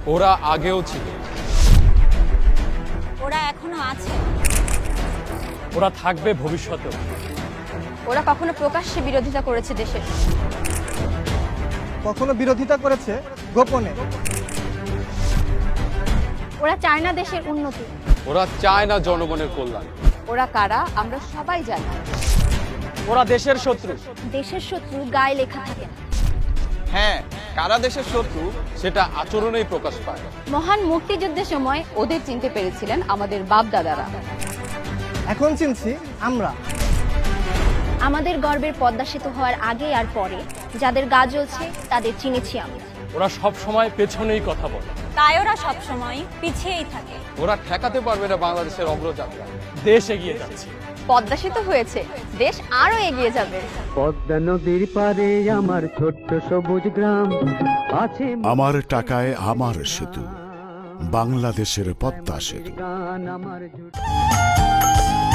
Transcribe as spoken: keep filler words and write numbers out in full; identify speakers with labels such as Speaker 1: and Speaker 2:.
Speaker 1: ওরা আগেও ছিল,
Speaker 2: ওরা এখনো আছে,
Speaker 3: ওরা থাকবে ভবিষ্যতেও।
Speaker 2: ওরা কখনো প্রকাশ্যে বিরোধিতা করেছে দেশের,
Speaker 4: কখনো বিরোধিতা করেছে গোপনে।
Speaker 2: ওরা চায় না দেশের উন্নতি।
Speaker 1: ওরা চায় না জনগণের কল্যাণ।
Speaker 2: ওরা কারা আমরা সবাই জানি।
Speaker 3: ওরা দেশের শত্রু।
Speaker 2: দেশের শত্রু গায়ে লেখা থাকে না।
Speaker 5: হ্যাঁ, কারা দেশের শত্রু
Speaker 1: সেটা আচরণেই প্রকাশ পায়।
Speaker 2: মহান মুক্তিযুদ্ধের সময় ওদের চিনতে পেরেছিলেন আমাদের বাপ দাদারা।
Speaker 4: এখন চিনছি আমরা।
Speaker 2: আমাদের গর্বের পদ্মা সেতু হওয়ার আগে আর পরে যাদের গা জ্বলছে তাদের চিনেছি আমরা।
Speaker 3: ওরা সব সময় পেছনেই কথা বলে,
Speaker 2: তাই ওরা সবসময় পিছিয়েই থাকে।
Speaker 1: ওরা ঠেকাতে পারবে না বাংলাদেশের অগ্রযাত্রা।
Speaker 3: দেশ এগিয়ে যাচ্ছে।
Speaker 2: পদ্মা সেতু হয়েছে, দেশ আরো এগিয়ে যাবে।
Speaker 6: পদ্মা নদীর পারে আমার ছোট্ট সবুজ গ্রাম আছে,
Speaker 7: আমার টাকায় আমার সেতু, বাংলাদেশের পদ্মা সেতু।
Speaker 6: গান আমার জুট।